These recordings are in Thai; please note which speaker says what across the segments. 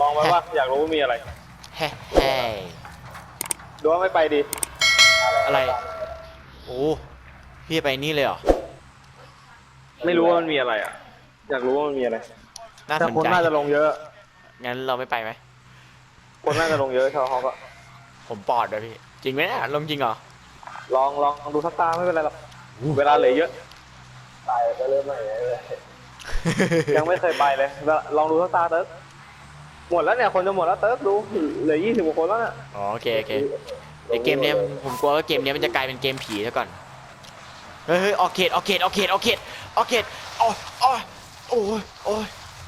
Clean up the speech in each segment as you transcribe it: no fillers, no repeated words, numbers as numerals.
Speaker 1: องไว้ว่าอยากรู้ว่ามีอะไร
Speaker 2: เฮ้เฮ้
Speaker 1: ดูว่าไม่ไปดี
Speaker 2: อะไรโอ้พี่ไปนี่เลยเหรอ
Speaker 1: ไม่รู้ว่ามันมีอะไรอ่ะอยากรู้ว่ามันมีอะไร
Speaker 2: น่า
Speaker 1: แต่
Speaker 2: สน
Speaker 1: คน
Speaker 2: ใจ
Speaker 1: น่าจะลงเยอะ
Speaker 2: งั้นเราไม่ไปไหม
Speaker 1: คนน่าจะลงเยอะชาวฮอกอะ
Speaker 2: ผมปอดเลยพี่จริงไหมเนี่ยลงจริงเหรอ
Speaker 1: ลองดูสักตาไม่เป็นไรหรอกเวลาเหลือเยอะตายก็เริ่มใหม่เลยยังไม่เคยไปเลยลองดูสักตาเติร์กหมดแล้วเนี่ยคนจะหมดแล้วเติร์กดูเหลือ20 กว่าคนแล้วเนี่ย
Speaker 2: อ๋อโอเคโอเคไอเกมเนี้ยผมกลัวว่าเกมเนี้ยมันจะกลายเป็นเกมผีซะก่อนเฮ้ยออกเขตออกเขตออกเขตออกเขตออกเขตอ๋ออ๋อโอ้ยโอ้ย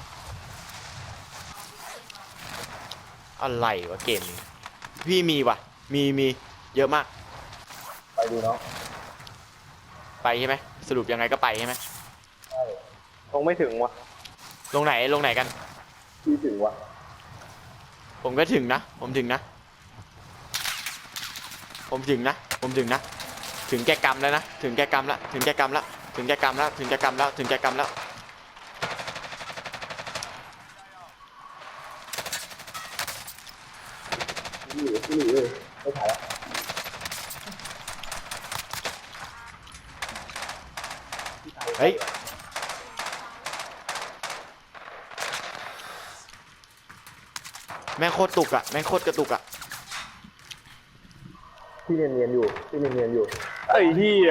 Speaker 2: อะไรวะเกมนี้พี่มีว่ะมีเยอะมาก
Speaker 1: ไปดูเนาะ
Speaker 2: ไปใช่ไหมสรุปยังไงก็ไปใช่ไหม
Speaker 1: ใช่คงไม่ถึงวะ
Speaker 2: ลงไหนกัน
Speaker 1: พี่ถึงวะ
Speaker 2: ผมก็ถึงนะผมถึงนะถึงแก่กรรมแล้วนะถึงแก่กรรมแล้วถึงแก่กรรมแล้วถึงแก่กรรมแล้วถึงแก่กรรมแล้วถึงแก่กรรมแล้ว
Speaker 1: พี่ไม่ถ่ายแล้ว
Speaker 2: เฮ้ยแม่งโคตรตุกอะแม่งโคตรกระตุกอะ
Speaker 1: พี่เรียนอยู่ไอ้เหี้ย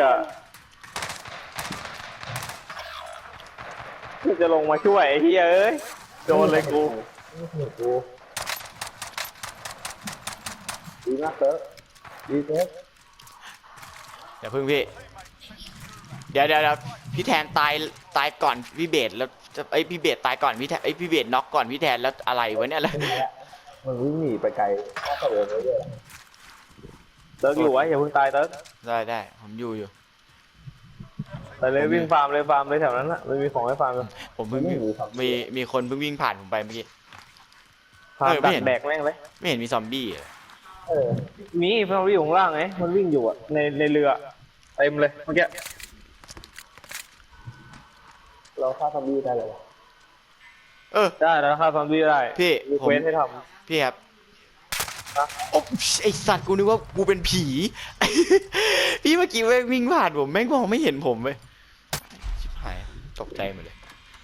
Speaker 1: จะลงมาช่วยไอ้เหี้ยเอ้ยโดนเลยกูดีมากเต๋อดีเต๋อ
Speaker 2: อย่าพึ่งพี่เดี๋ยวพี่แทนตายก่อนพี่เบสแล้วพี่เบสตายก่อนพี่แทนพี่เบสน็อกก่อนพี่แทนแล้วอะไรวะเนี่ยแล้ว
Speaker 1: มันวิ่งหนีไปไกลน่าจะเลยเติร์กอยู่ไว้อย่าเพิ่งตายเติร์ก
Speaker 2: ได้ผมอยู่
Speaker 1: ไปเลยวิ่งฟาร์มเลยแถวนั้นน่ะมันมีของให้ฟาร์มเลย
Speaker 2: ผมเพิ่งมีคนเพิ่งวิ่งผ่านผมไปเมื่อกี้
Speaker 1: ฟาร์มดักแบกแม่งเลย
Speaker 2: ไม่เห็นมีซอมบี้เลย
Speaker 1: มีเพื่อนวิ่งอยู่ข้างล่างไงมันวิ่งอยู่อ่ะในเรือเต็มเลยเมื่อกี้เราฆ่าซอมบี้ได้เลยวะได้แล้วฆ่าซอมบี้ได้
Speaker 2: พี่
Speaker 1: มีเควสให้ท
Speaker 2: ำพี่ครับโอ้ไอสัตว์กูนึกว่ากูเป็นผี พี่เมื่อกี้วิ่งผ่านผมแม่งมองไม่เห็นผมเลยชิบหายตกใจหมดเลย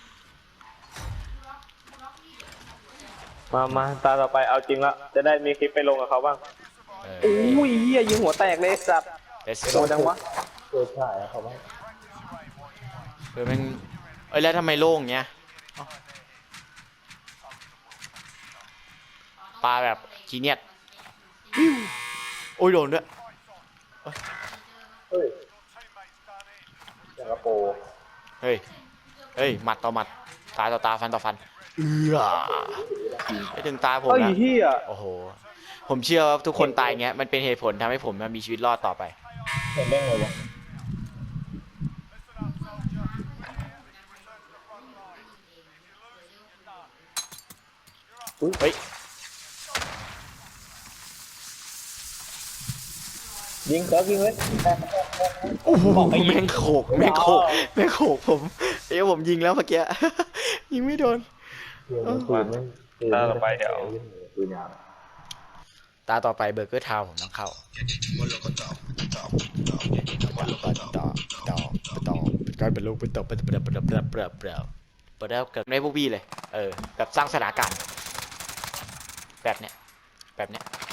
Speaker 1: มาตาต่อไปเอาจริงละจะได้มีคลิปไปลงกับเขาบ้างอุ้ยเหี้ยยิงหัวแตกเลยสัตว์โดนจังวะใช่เขาบ้าง
Speaker 2: แม่งแล้วทำไมโล่งเงี้ยปลาแบบขี้เนียดโอ้ยโดนด้วย
Speaker 1: เฮ้ยสิงคโปร์
Speaker 2: เฮ้ยหมัดต่อหมัดตาต่อตาฟันต่อฟันไม่ถึงตาผมนะโอ้โหผมเชื่อว่าทุกคนตายเงี้ยมันเป็นเหตุผลทำให้ผมมีชีวิตรอดต่อไป
Speaker 1: เห็นได้ไงวะ
Speaker 2: เฮ้ย
Speaker 1: ยิงเลย
Speaker 2: โอ้โหแม่งโขกผมผมยิงแล้วเมื่อกี้ยิงไม่โดน
Speaker 1: ตาต่อไปเดี๋ยว
Speaker 2: ตาต่อไปเบอร์เกอร์ทาวผมต้องเข้าต่อการเป็นลูกเป็นต่อเป็นเปล่าแล้วกับในพวกพี่เลยแบบสร้างสถานการณ์แบบเนี้ยแบบ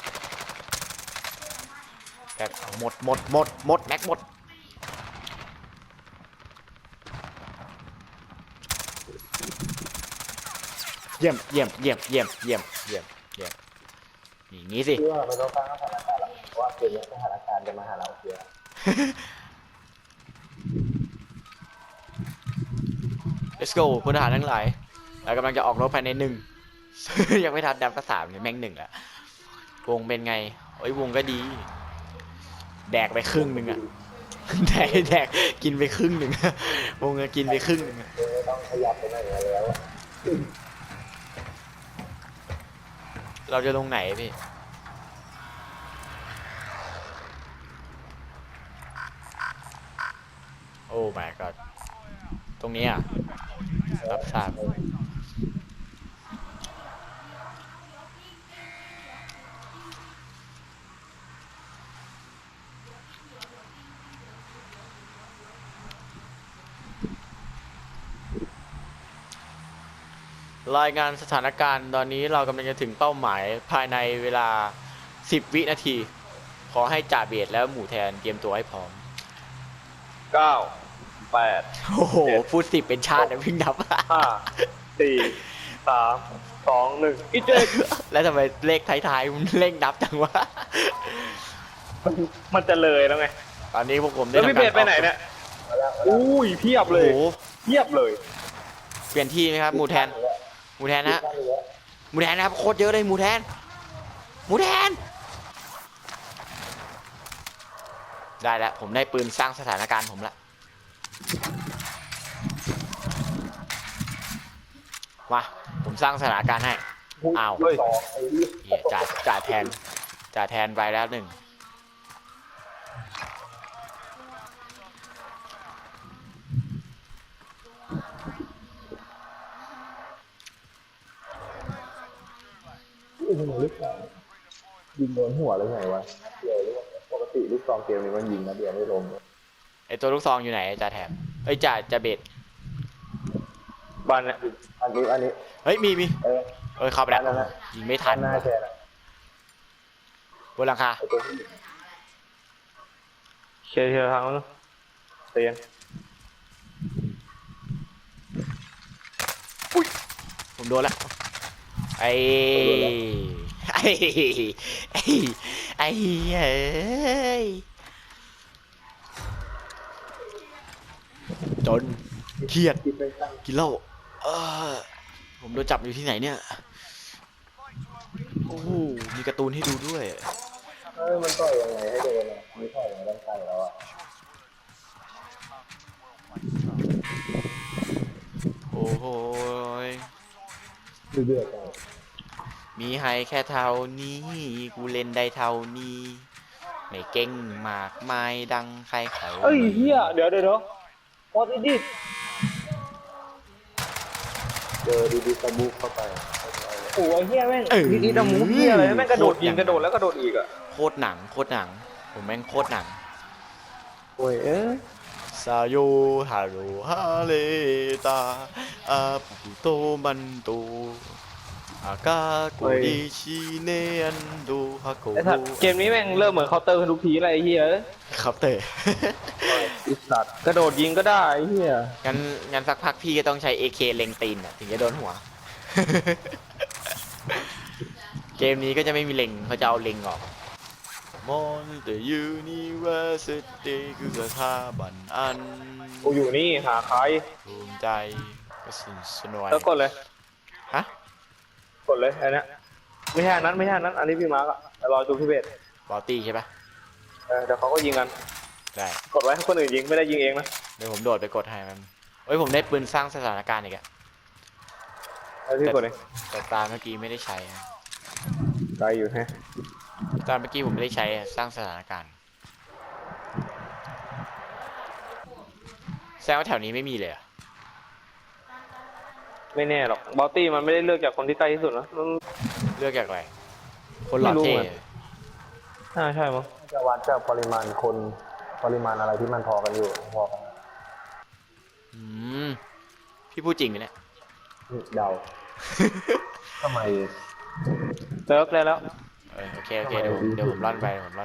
Speaker 2: หมดแม็กหมดเยี่ยมอย่างนี้สิ
Speaker 1: ว่าเราต้องสร้างสถานการณ์แล้วเพราะว่าเกมนี้สถานการณ์จะมาหาเราเยอะ
Speaker 2: Let's go พลทหารทั้งหลายเรากำลังจะออกรบภายใน1 ยังไม่ทันดับก็3เลยแม่ง1แล้ววงเป็นไงโอ้ยวงก็ดีแดกไปครึ่งนึงอะแดกกินไปครึ่งนึงวงก็กินไปครึ่งนึง
Speaker 1: ต้องขยับไปไหนแล้ว
Speaker 2: เราจะลงไหนพี่โอ้ my god ตรงนี้อ่ะรับทราบรายงานสถานการณ์ตอนนี้เรากำลังจะถึงเป้าหมายภายในเวลา 10 วินาที ขอให้จ่าเบียดแล้วหมู่แทนเตรียมตัวให้พร้อม
Speaker 1: 9 8
Speaker 2: โอ้โห พูด10เป็นชาตินะวิ่งนับ
Speaker 1: 5 4 3 2 1อีเจก
Speaker 2: แล้วทำไมเลขท้ายๆมันเร่งนับจังวะ
Speaker 1: มันจะเลยแล้วไง
Speaker 2: ตอนนี้พวกผมได้
Speaker 1: แล้วพี่
Speaker 2: ทำ
Speaker 1: เพ
Speaker 2: การ
Speaker 1: จไปไหนเนี่ยอุ้ยเพียบ
Speaker 2: โอ้
Speaker 1: เลย
Speaker 2: โห
Speaker 1: เพียบเลย
Speaker 2: เปลี่ยนที่ไหมครับหมู่แทน หมู่แทนนะฮะหมู่แทนนะครับโคตรเยอะเลยหมู่แทน หมู่แทน ได้แล้วผมได้ปืนสร้างสถานการณ์ผมละมาผมสร้างสถานการณ์ให้อ้าว
Speaker 1: เฮ้ย
Speaker 2: เหี้ยจ่าแทนไปแล้วหนึ่ง
Speaker 3: ยิงโดนหัวหรือไงวะเดียวหรือว่าปกติลูกซองเกมนี้มันยิงนะเดียวไม่ลง
Speaker 2: ไอตัวลูกซองอยู่ไหนจ่าแทนเอ้ยจ่าเบ็ด
Speaker 1: บ้านเนี่ย
Speaker 3: อันนี้
Speaker 2: เฮ้ยมี
Speaker 3: เออ
Speaker 2: เอ้ยเข้าไปแล้ว
Speaker 3: นั่นน่ะ
Speaker 2: ยิงไม่ทัน
Speaker 3: หน้าแค่นั้น
Speaker 2: บนหลังคา
Speaker 3: ไอ้ตัวที่
Speaker 1: เคลียร์ทางแล้วนะเตียน
Speaker 2: ผมโดนแล้วไอ้ไอ้ไอ้ไอ้เอ้ยจนเครียด
Speaker 3: คิดไปตั้ง
Speaker 2: กินเหล้าผมโดนจับอยู่ที่ไหนเนี่ยโอ้โหมีการ์ตูนให้ดูด้วย
Speaker 3: มันต่อยยังไงให้โดนอ่ะไม่ต่อยยังไงต้องใส่แล้วอ่ะ
Speaker 2: โอ้โหย
Speaker 3: เดือดจัง
Speaker 2: มีให้แค่เท่านี้กูเล่นได้เท่านี้ไม่เก่งมากมายดังใครเขา
Speaker 1: เอ้ยเฮียเดี๋ยวพอดิ
Speaker 3: เจอดีๆตะบุกเข้าไป
Speaker 1: โอ้ยเฮียแม่งดีดมูเฮียอะไรแม่งกระโดดยิงกระโดดแล้วกระโดดอีกอ่ะ
Speaker 2: โคตรหนังผมแม่งโคตรหนัง
Speaker 1: โอ้ย
Speaker 2: ซาโยฮาโรฮาเลตาอาปุโตมันโตอากาโกดิชิเนอันโดฮาโก
Speaker 1: ไอ้สัตว์เกมนี้แม่งเริ่มเหมือนเคาน์เตอร์ทุกทีอะไรไอ้เฮีย
Speaker 2: ครับเตะ
Speaker 1: ไอ้สัตว์กระโดดยิงก็ได้ไอ้เฮีย
Speaker 2: งั้นสักพักพี่ก็ต้องใช้ AK เล็งตีนอ่ะถึงจะโดนหัว เกมนี้ก็จะไม่มีเล็งเขาจะเอาเล็งออกมอนเตยูนิเวอร์ซิตี้คือสถาบันอัน
Speaker 1: กูอยู่นี่หาใคร
Speaker 2: ภูมิใจกระสุนสนวย
Speaker 1: แล้วกดเลย
Speaker 2: ฮะ
Speaker 1: กดเลยไอ้นี่ไม่ใช่อันนั้นอันนี้พี่มาร์กอะแต่รอจูพี่เบส
Speaker 2: บอลตี้ใช่ปะ
Speaker 1: เดี๋ยวเขาก็ยิงกัน
Speaker 2: ได้
Speaker 1: กดไว้ให้คนอื่นยิงไม่ได้ยิงเองนะ
Speaker 2: เดี๋ยวผมโดดไปกดให้มันเอ้ยผมได้ปืนสร้างสถานการณ์อีกอะ
Speaker 1: แล้วพี่กดเอง
Speaker 2: แต่ตาเมื่อกี้ไม่ได้ใช้อะ
Speaker 1: ไกลอยู่ฮะ
Speaker 2: ตอนเมื่อกี้ผมไม่ได้ใช้อะสร้างสถานการณ์แสดงว่าแถวนี้ไม่มีเลยอะ
Speaker 1: ไม่แน่หรอกบอลตี้มันไม่ได้เลือกจากคนที่ใกล้ที่สุดนะมัน
Speaker 2: เลือกจากอะไรคนหล่อ
Speaker 1: ไม่รู้
Speaker 2: เท่
Speaker 1: เหมือน ใช่มั้ง
Speaker 3: จะวัดจากปริมาณคนปริมาณอะไรที่มันพอกันอยู่พอกัน
Speaker 2: อืมพี่พูดจริงไหมเนี่ย
Speaker 3: เดาทำไม
Speaker 1: เลิกได้แล้ว
Speaker 2: โอเคเดี๋ยวผมร่อนไป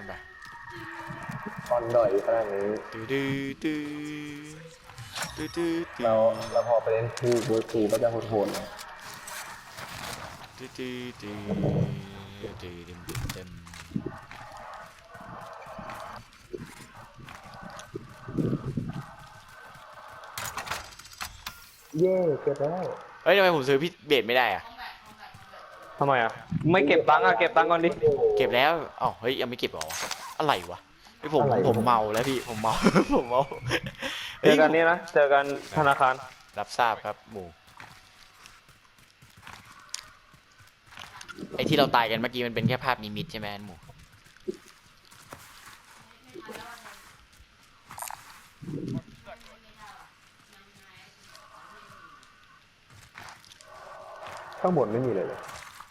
Speaker 3: ตอนด่อยขนาดนี้
Speaker 2: ตื้อตื้อตื้อตื้อตื้อ
Speaker 3: เราพอไปเล่นคู่เวิร์คคู่ก็จะโหดๆนะ
Speaker 2: ตื้อตื้อตื้อตื้อเต็ม
Speaker 3: เย่เก็บแล้ว
Speaker 2: เฮ้ยทำไมผมซื้อพี่เบสไม่ได้อะ
Speaker 1: ทำไมอ่ะไม่เก็บตังค์อ่ะเก็บตังค์ก่อนดิ
Speaker 2: เก็บแล้วอ๋อเฮ้ยยังไม่เก็บเหรอวะอะไรวะไอผมเมาแล้วพี่ผมเมา ผมเมา
Speaker 1: เจอกันนี่นะเจอกันธนาคาร
Speaker 2: รับทราบครับหมูไอที่เราตายกันเมื่อกี้มันเป็นแค่ภาพนิมิตใช่ไหมหมู
Speaker 3: ข้างบนไม่มีเลยเลย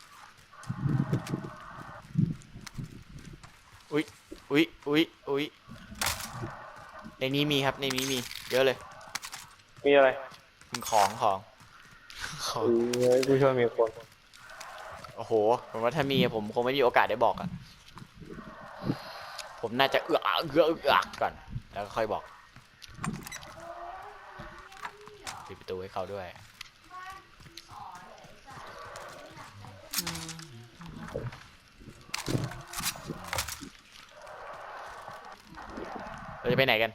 Speaker 2: อุ๊ยในนี้มีครับในนี้มีเยอะเลย
Speaker 1: มีอะไร
Speaker 2: ของเขา
Speaker 1: เฮ้ยกูช่วยมีคน
Speaker 2: โอ้โหผมว่าถ้ามีผมคงไม่มีโอกาสได้บอกอะผมน่าจะเอือกก่อนแล้วก็ค่อยบอกปิดประตูให้เขาด้วยเราจะไปไหนกัน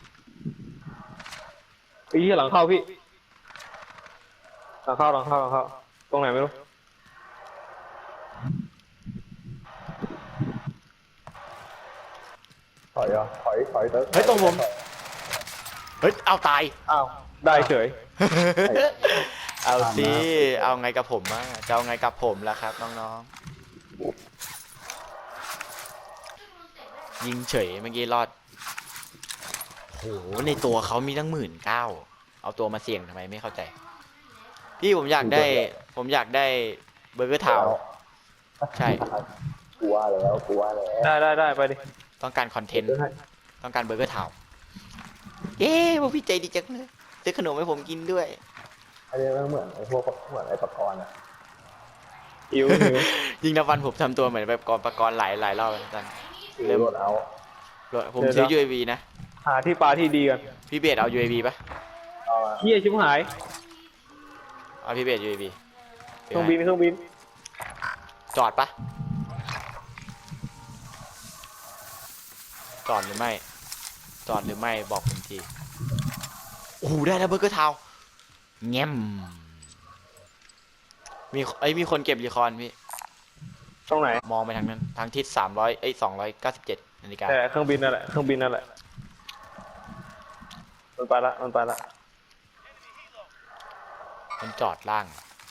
Speaker 1: พี่หลังเข้าพี่หลังเข้าตรงไหนไม่รู้
Speaker 3: ถอยเหรอถอยเติร์ก
Speaker 2: เฮ้ยตรงผมเฮ้ยเอาตาย
Speaker 1: อ้าวได้เฉย
Speaker 2: เอาสิเอาไงกับผมอ่ะจะเอาไงกับผมล่ะครับน้องๆยิงเฉยเมื่อกี้รอดโหในตัวเขามีตั้ง19,000เอาตัวมาเสี่ยงทำไมไม่เข้าใจพี่ผมอยากได้เบอร์เกอร์ทาวน์ใช่
Speaker 3: กลัวแล้ว
Speaker 1: ได้ไปดิ
Speaker 2: ต้องการคอนเทนต์ต้องการเบอร์เกอร์ทาวน์เย้พวกพี่ใจดีจังเลยซื้อขนมให้ผมกินด้วย
Speaker 3: อันนี้มันเหมือนไอ้พวกเหมือนไอ้ปะกรณ์อ่ะ
Speaker 1: หิว
Speaker 2: ยิงนับวันผมทำตัวเหมือนแบบประกรณ์หลายรอบแล้วกัน
Speaker 3: เริ่มรถเอา
Speaker 2: ผมซื้อ UAV นะ
Speaker 1: หาที่ปลาที่ดีกัน
Speaker 2: พี่เบสเอา UAV ปะ
Speaker 3: เอามา
Speaker 1: เฮียชิบหาย
Speaker 2: เอาพี่เบส UAV
Speaker 1: เครื่องบิน
Speaker 2: จอดปะจอดหรือไม่บอกผมทีโอ้โหได้แล้วเบอร์เกอร์ทาวน์แง้มมีคนเก็บรีคอนพี่
Speaker 1: ตรงไหน
Speaker 2: มองไปทางนั้นทางทิศ297นาฬิกา
Speaker 1: แต่เครื่องบินนั่นแหละมันไปละ
Speaker 2: มันจอดล่าง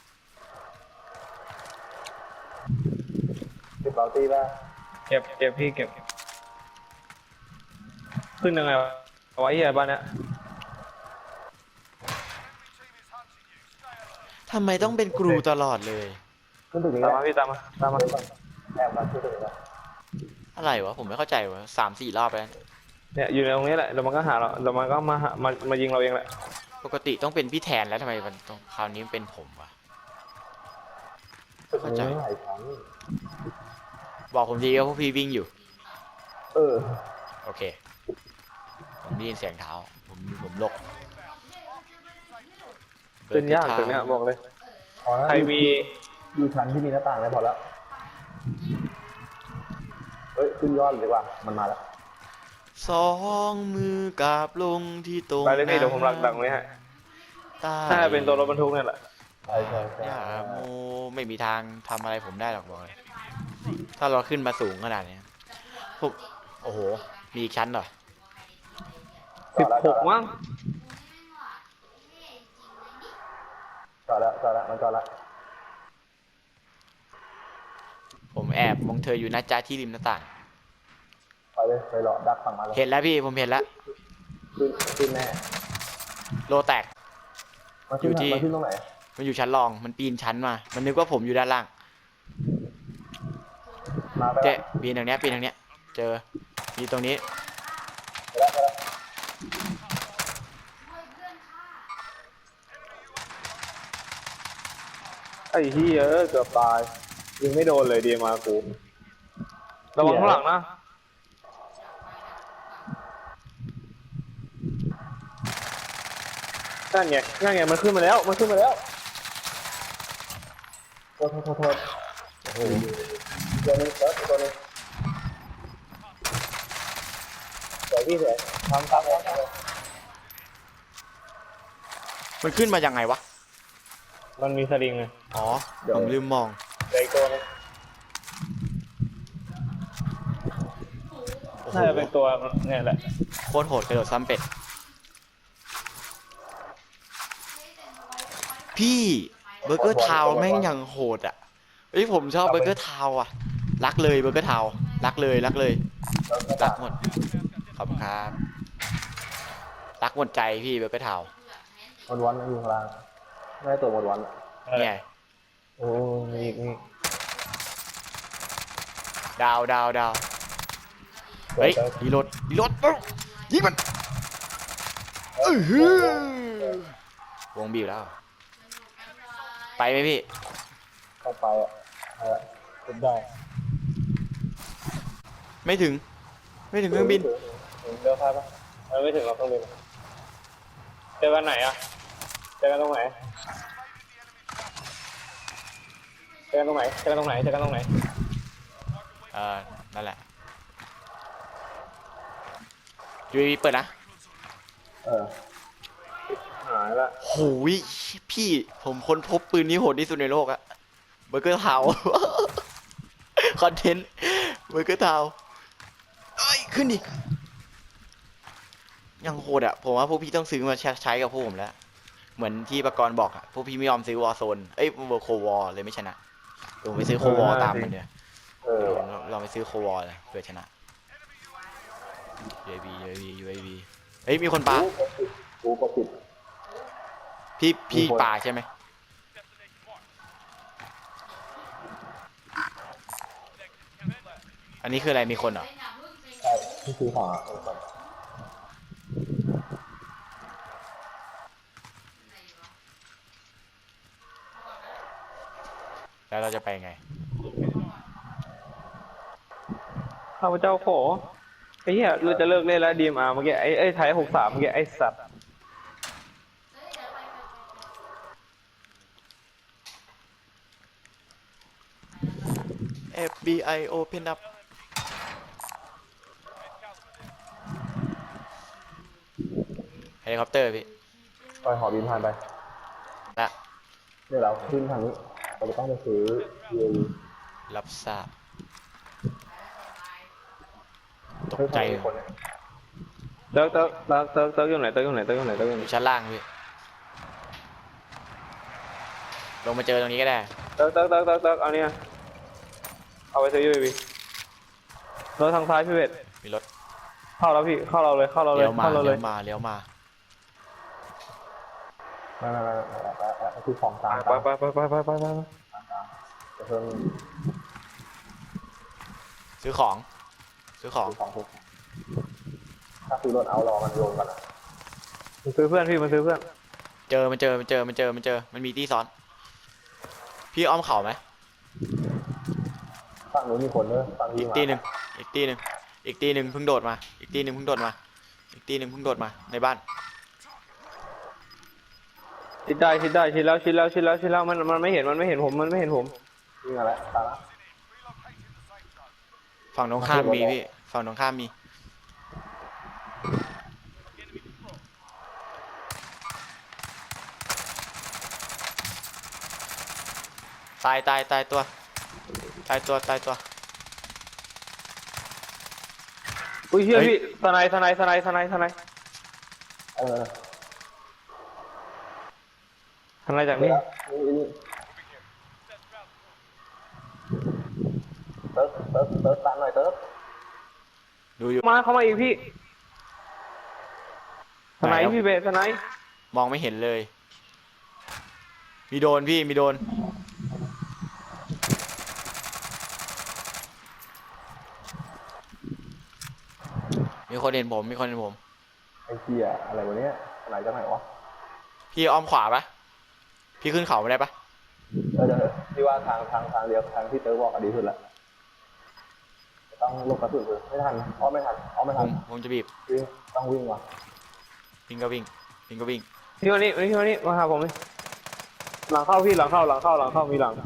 Speaker 3: ติดเบาตี้ป่ะ
Speaker 1: เก็บพี่เก็บขึ้นยังไงวะเอาไว้เฮียบ้านเนี้ย
Speaker 2: ทำไมต้องเป็นกรูตลอดเลย
Speaker 3: ขึ้นตึกนี้
Speaker 1: ตามมาพี่ตามมา
Speaker 3: แอบมาขึ้นตึกนี้
Speaker 2: อะไรวะผมไม่เข้าใจวะ3-4 รอบแล้ว
Speaker 1: เนี่ยอยู่ในตรงนี้แหละเดี๋ยวมันก็หาเราเดี๋ยวมันก็มายิงเราเองแหละ
Speaker 2: ปกติต้องเป็นพี่แทนแล้วทำไมมันต้องคราวนี้เป็นผมวะ
Speaker 3: ตึกนี้ไม่หลายครั้ง
Speaker 2: บอกผมทีว่าพวกพี่วิ่งอยู่
Speaker 3: เออ
Speaker 2: โอเค ผมได้ยินเสียงเท้า ผมลก
Speaker 1: ขึ้นยากตึกเนี้ยบอกเลย
Speaker 3: พอแล้ว
Speaker 1: ใครมี
Speaker 3: อยู่ชั้นที่มีหน้าต่างเลยพอแล้วเฮ้ยขึ้นยอดดีกว่ามันมาแล้ว
Speaker 2: สองมือกราบลงที่ตรง
Speaker 1: ไปเลยพี่เดี๋ยวผมหลักดังไว้ให้
Speaker 2: ใต้
Speaker 1: ถ้าเป็นตัวรถบรรทุกเนี่ยแหละ
Speaker 3: ใช่
Speaker 2: อย่าโมไม่มีทางทำอะไรผมได้หรอกบอกเลย ถ้าเราขึ้นมาสูงขนาดนี้ผมโอ้โห มีอีกชั้นเหรอ
Speaker 1: 16มั้ง
Speaker 3: จอดแล้วมันจอดแล้ว
Speaker 2: ผมแอบมองเธออยู่นะจ๊ะที่ริมหน้าต่าง
Speaker 3: ไปเลยไปรอดักฝั่งมาเลย
Speaker 2: เห็นแล้วพี่ผมเห็นแล้ว
Speaker 3: ขึ้นแน่
Speaker 2: โลแตก
Speaker 3: มันขึ้นตรงไหน
Speaker 2: มันอยู่ชั้นรอง มันปีนชั้นมา มันนึกว่าผมอยู่ด้านล่าง
Speaker 3: มาไป
Speaker 2: เจ๊ปีนทางเนี้ย เจอมีตรงนี้
Speaker 1: ไอ้เฮียเกือบตายยิงไม่โดนเลยดีมากูระวังข้างหลังนะนั่นไงมันขึ้นมาแล้วโทษ
Speaker 3: โอ้โหตัวนึงตัวนึงสวยพี่สวยทำเลย
Speaker 2: มันขึ้นมายังไงวะ
Speaker 1: มันมีสลิงไง
Speaker 2: อ๋อ ผมลืมมอง
Speaker 3: เดี๋ยวอีกตัวนึง
Speaker 2: โอ้โห
Speaker 1: น่าจะเป็นตัวเนี่ยแหละ
Speaker 2: โคตรโหดกระโดดซ้ำเป็ด พี่เบอร์เกอร์ทาวน์แม่งยังโหดอ่ะเฮ้ยผมชอบเบอร์เกอร์ทาวน์อ่ะ รักเลยเบอร์เกอร์ทาวน์รักเลยรักหมด ขอบคุณครับ รักหมดใจพี่เบอร์เกอร์ทาวน์
Speaker 3: วันอยู่ข้างล่างไม่ได้ตัววัน
Speaker 2: เนี่ย
Speaker 1: โอ้นี่
Speaker 2: ดาวเฮ้ยรีโหลดปุ๊บยิงมันวงบีบแล้วไปไหมพี่
Speaker 3: เข้าไปอ่ะขึ้นได้
Speaker 2: ไม่ถึงเครื่องบิน
Speaker 1: เรือพายปะไม่ถึงเราต้องบินเจอกันไหนอ่ะเจอกันตรงไหนเจอกันตรงไหนเจอกันตรงไหนเจอกันตรงไหน
Speaker 2: นั่นแหละ UAV เปิดนะ
Speaker 3: เออ
Speaker 1: หายละ
Speaker 2: โหยพี่ผมค้นพบปืนนี้โหดที่สุดในโลกอะเบอร์เกอร์เทา คอนเทนต์เบอร์เกอร์เทาเอ้ย ขึ้นดิ ยังโหดอะผมว่าพวกพี่ต้องซื้อมาใช้กับพวกผมแล้ว เหมือนที่ประกรณ์บอกอะพวกพี่ไม่ยอมซื้อวอร์โซนเอ้ยเวอร์โควอร์เลยไม่ชนะเดี๋ยวผมไปซื้อโควอร์ตามมันเดี๋ยว
Speaker 3: เออ
Speaker 2: เราไปซื้อโควอร์เลยเพื่อชนะ UAV เฮ้ยมีคนปา
Speaker 3: กูก็ปิด
Speaker 2: พี่ปาใช่ไหมอันนี้คืออะไรมีคนเหรอ
Speaker 3: ใช่ที่ซื้อของอ่ะ
Speaker 2: แล้วเราจะไปไง
Speaker 1: ข้าพเจ้าขอไอ้เหี้ยเราจะเลิกเล่นแล้ว DMR เมื่อกี้ไอ้ไทย63เมื่อกี้ไอ้สัตว์
Speaker 2: FBI open up เฮลิคอปเตอร์พี่
Speaker 3: ไปหอบินผ่านไป
Speaker 2: ละ
Speaker 3: เดี๋ยวเราขึ้นทางนี้เราจะต้องไปซื้อ UAV
Speaker 2: รับทราบตก
Speaker 3: เฮ้ย
Speaker 2: ใจ
Speaker 3: ทำไมมีคนเนี่ย
Speaker 1: เติร์กอยู่ไหนเติร์กอยู่ไหนเติร์กอยู่ไหนเติร์กอยู่
Speaker 2: อ
Speaker 1: ไหน
Speaker 2: ยู่ชั้นล่างพี่ลงมาเจอตรงนี้ก็ได้
Speaker 1: เติร์กเอาเนี่ยเอาไปซื้อ UAV รถทางซ้ายพี่เวท
Speaker 2: มีรถ
Speaker 1: เข้าแล้วพี่เข้าเราเลยเข้าเราเลย
Speaker 2: เลี้ยวมา
Speaker 1: เข้าเราเล
Speaker 2: เลี้
Speaker 1: ย
Speaker 2: ยวมาเลี้ยวมา
Speaker 3: ไม่คือของกลาง
Speaker 1: ไป
Speaker 3: จะเพิ่ม
Speaker 2: ซื้อของซื้อของ
Speaker 3: ของทุกถ้าซื้อรถเอารอมันรวมกันอ่ะ
Speaker 1: มันซื้อเพื่อนพี่มันซื้อเพื่อน
Speaker 2: มันมีที่ซ้อน พี่อ้อมเข่าไหม
Speaker 3: ฝั่งนู้นมีคนด้วยฝั่ง
Speaker 2: อี
Speaker 3: นี้
Speaker 2: ก
Speaker 3: มา
Speaker 2: ตีหนึ่งเพิ่งโดดมาอีกตีหนึ่งเพิ่งโดดมาในบ้าน
Speaker 1: ชิดแล้วมันไม่เห็นผม
Speaker 3: วิ่งมาแล้วตามละ
Speaker 2: ฝั่งตรงข้ามมีพี่ฝั่งตรงข้ามมีตายตัว
Speaker 1: อุ้ยเชื่อ
Speaker 2: เฮ้ย
Speaker 1: พี่สไน
Speaker 3: เออ
Speaker 1: จากนี่
Speaker 3: นี่เติร์กตามหน่อยเติร์ก
Speaker 2: ดูอยู่
Speaker 1: เข้ามาอีกพี่สไนพี่เบสสไน
Speaker 2: มองไม่เห็นเลย มีโดนพี่มีโดนมีคนเห็นผม
Speaker 3: ไอ้เหี้ยอะไรวะเนี้ยอะไรจะไหนวะ
Speaker 2: พี่อ้อมขวาปะพี่ขึ้นเขาไม่ได้ปะ
Speaker 3: เดี๋ยวพี่ว่าทางเดียวทางที่เติร์กบอกอะดีสุดละต้องลงกระสุนเลยไม่ทันอ้อไม่ทัน
Speaker 2: ผมจะบีบ
Speaker 3: วิ่งต้องวิ่งว่ะ
Speaker 2: วิ่งก็วิ่ง
Speaker 1: พี่วันนี้มาหาผมเลยหลังเข้าพี่หลังเข้ามีหลัง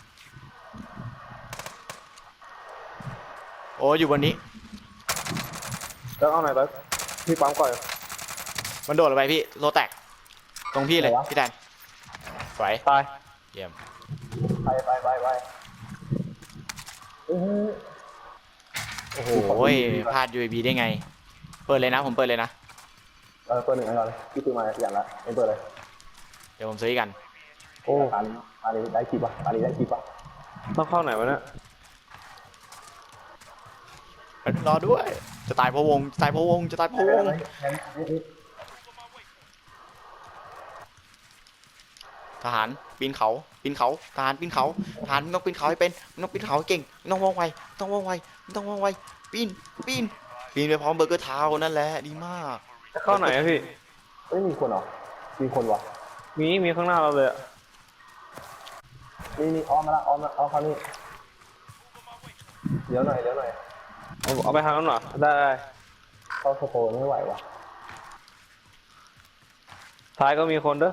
Speaker 2: โอ้อยู่บนนี้
Speaker 1: เติร์กเอาไหนเติร์กพี่ปั๊มก่อน
Speaker 2: มันโดดลงไปพี่โลแตกตรงพี่เลยพี่แดนสวย
Speaker 1: ตาย
Speaker 2: เยี่ยม
Speaker 3: ไป
Speaker 2: โอ้โหพลาด UAV ได้ไง เปิดเลยนะผมเปิดเลยนะ
Speaker 3: เปิดหนึ่งให้ก่อนเลยพี่ซื้อมาอย่างละเอ็นเปิดเลย
Speaker 2: เดี๋ยวผมซื้ออีกกัน
Speaker 1: โอ้
Speaker 3: ตาลีได้คลิปป่ะ
Speaker 1: ต้องเข้าไหนวะเนี่ย
Speaker 2: รอด้วย จะตายเพราะวง ทหารปีนเขาทหารปีนเขามึงต้องปีนเขาให้เป็นมึงต้องปีนเขาให้เก่งมึงต้องว่องไวปีนไปพร้อมเบอร์เกอร์เท้านั่นแหละดีมาก
Speaker 1: จะเข้าไหนอะพี่
Speaker 3: ไม่มีคนเหรอมีคนวะ
Speaker 1: มีข้างหน้าเราเลยอะ
Speaker 3: นี่อ้อมมาละอ้อมมาอ้อมเขานี่เดี๋ยวหน่อย
Speaker 1: เอาไปทางนั้นหน่อยได้
Speaker 3: เข้าสโปนไม่ไหวว่ะ
Speaker 1: ท้ายก็มีคนเด้อ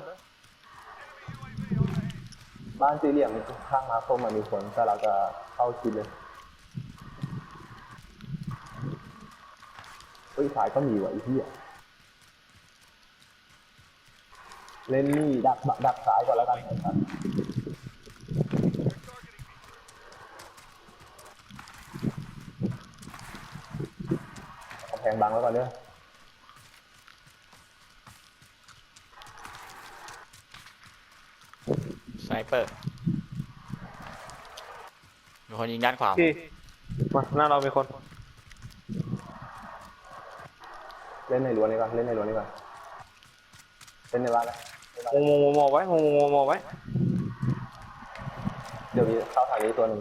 Speaker 3: บ้านสี่เหลี่ยมข้างมาส้มมันมีคนแต่เราจะเข้าคิดเลยเฮ้ยสายก็มีว่ะไอ้เหี้ยเล่นนี่ดักสายก่อนแล้วกันครับกำแพงบังไว้ก่อนเด้อ
Speaker 2: สไนเปอร์มีคนยิงด้านขวา
Speaker 1: พี่มาหน้าเรามีคน
Speaker 3: เล่นในรั้วนี้ก่อนเล่นในรั้วนี้ก่อนเล่นในบ้านนะ
Speaker 1: มองไว้มองไว้
Speaker 3: เดี๋ยวมีเข้าทางนี้ตัวหนึ่ง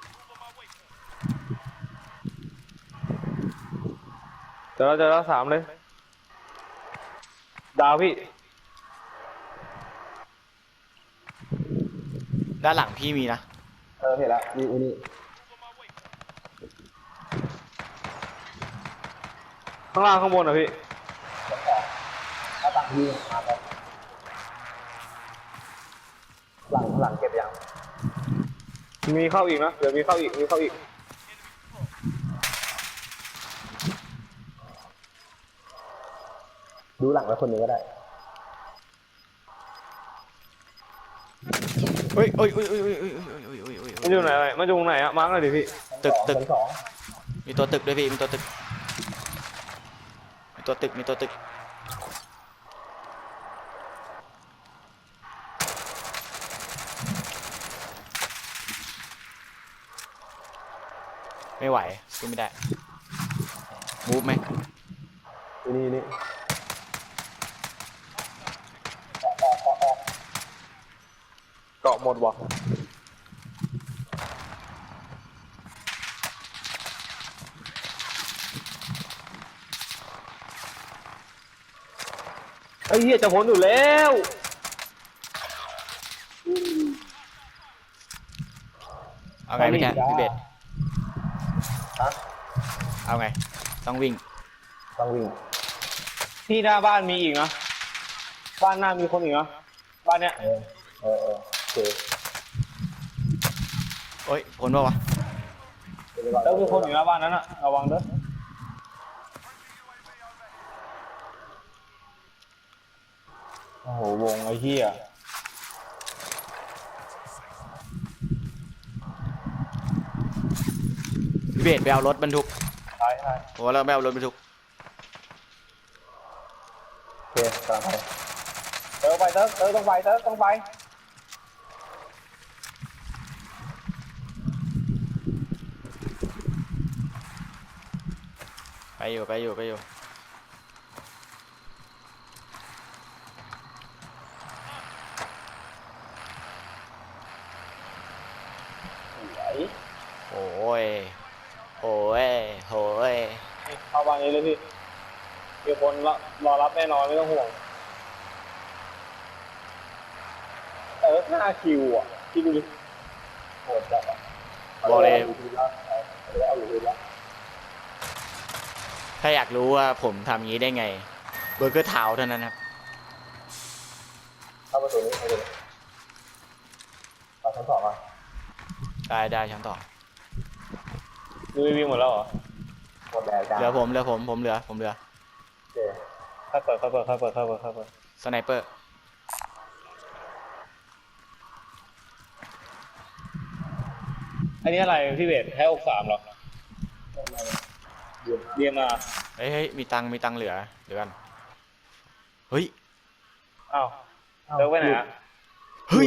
Speaker 1: เดี๋ยวเราจะสามเลย ดาวพี่
Speaker 2: ด้านหลังพี่มีนะ
Speaker 3: เห็นแล้วนี่
Speaker 1: ข้างล่างข้างบนอ่ะพี่
Speaker 3: ถ้าต่างที่มาแล้วหลังเก็บยัง
Speaker 1: มีเข้าอีกนะ เดี๋ยวมีเข้าอีก
Speaker 3: ดูหลังไว้คนหนึงก็ได้
Speaker 2: เฮ้ย
Speaker 1: มันอยู่ไหนมันอยู่ตรงไหนอะมาร์กเลยดิพี่
Speaker 2: ตึก
Speaker 3: ชั้นสอง
Speaker 2: มีตัวตึกด้วยพี่มีตัวตึกไม่ไหวขึ้นไม่ได้มูฟไหม
Speaker 3: นี่
Speaker 1: เกาะหมดวะไอ้เหี้ยจะพ้นอยู่แล้ว
Speaker 2: เอาไงพี่แกพี่เบส
Speaker 3: ฮะ
Speaker 2: เอาไงต้องวิ่ง
Speaker 3: ต้องวิ่ง
Speaker 1: ที่หน้าบ้านมีอีกนะบ้านหน้ามีคนอีกนะบ้านเนี้ย
Speaker 3: โอเค
Speaker 2: โอ้ยพ้นป่าวะ
Speaker 1: แล้วมีคนอยู่หน้าบ้านนั้นอะระวังเด้อโอ้โหวงไอ้เหี้ย
Speaker 2: พี่เบสไปเอารถบรรทุก
Speaker 1: ใช่
Speaker 2: โอ้เราไม่เอารถบรรทุก
Speaker 3: โอเคกำลังไป
Speaker 1: เติร์ต้องไป
Speaker 2: ไปอยู่โอ้ย
Speaker 1: เข้าบ้านนี้เลยพี่มีคนรอรับแน่นอนไม่ต้องห่วง5 คิวอ่ะคิดดูดิ
Speaker 3: โหดจัดอ่ะ
Speaker 2: บอกเลย
Speaker 3: เอาอยู่ดีละ
Speaker 2: ถ้าอยากรู้ว่าผมทำอย่างนี้ได้ไงเบอร์เกอร์เท้าเท่านั้นครับ
Speaker 3: เข้าประตูนี้ไปเลยเอาชั้นสองอ่ะ
Speaker 2: ได้ชั้นต่อ
Speaker 1: ดูวิ่งหมดแล้วเหรอ
Speaker 3: หมดแล้วจ้า
Speaker 2: เหลือผมเหลือ
Speaker 3: โอเค
Speaker 1: ค่อยเปิด
Speaker 2: สไนเปอร์
Speaker 1: อันนี้อะไรพี่เบสให้63หรอเรียนมา
Speaker 2: เฮ้ยมีตังค์เหลือเดี๋ยวกันเฮ้ย
Speaker 1: อ้าวเติร์กไปไหนอะ
Speaker 2: เฮ้ย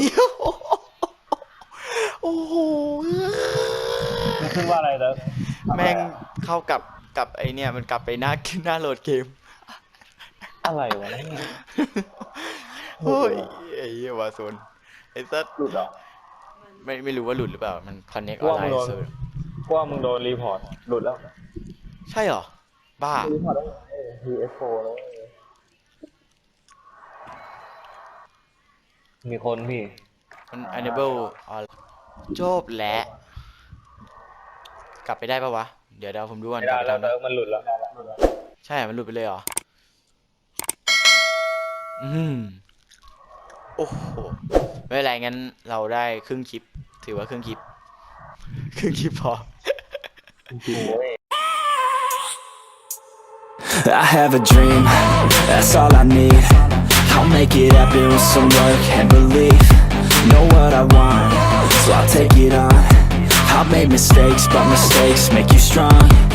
Speaker 2: โอ้โห
Speaker 1: มันขึ้นว่าอะไรเติร์ก
Speaker 2: แม่งเข้ากับไอเนี่ยมันกลับไปหน้าโหลดเกม
Speaker 1: อะไรวะ
Speaker 2: เฮ้ยไอ้เหี้ยวาโซนไอ้สัส
Speaker 3: หลุดเหรอ
Speaker 2: ไม่รู้ว่าหลุดหรือเปล่ามันคอนเน็กออนไลน์เซิร์ฟ
Speaker 1: ว่ามึงโดนรีพอร์ตหลุดแล้ว
Speaker 2: ใช่เหรอบ้า
Speaker 3: รีพอร์ตได้ไงPS4 แล้ว
Speaker 1: มีคนพี่
Speaker 2: มัน enable ออนจบแล้วกลับไปได้ปะวะ เดี๋ยวผมดูก่อน
Speaker 1: ไม่
Speaker 2: กลั
Speaker 1: ได้
Speaker 2: บไป
Speaker 1: แล้ว
Speaker 2: ทำ
Speaker 1: เติร์กมันหลุดแล้ว
Speaker 2: ใช่ มันหลุดไปเลยเหรอ โอ้โห ไม่เป็นไรงั้นเราได้ครึ่งคลิป ถือว่าครึ่งคลิป ครึ่งคลิปพอ
Speaker 4: I have a dream, that's all I need. I'll make it happen with some work and belief. Know what I want, so I'll take it on. I've made mistakes, but mistakes make you strong.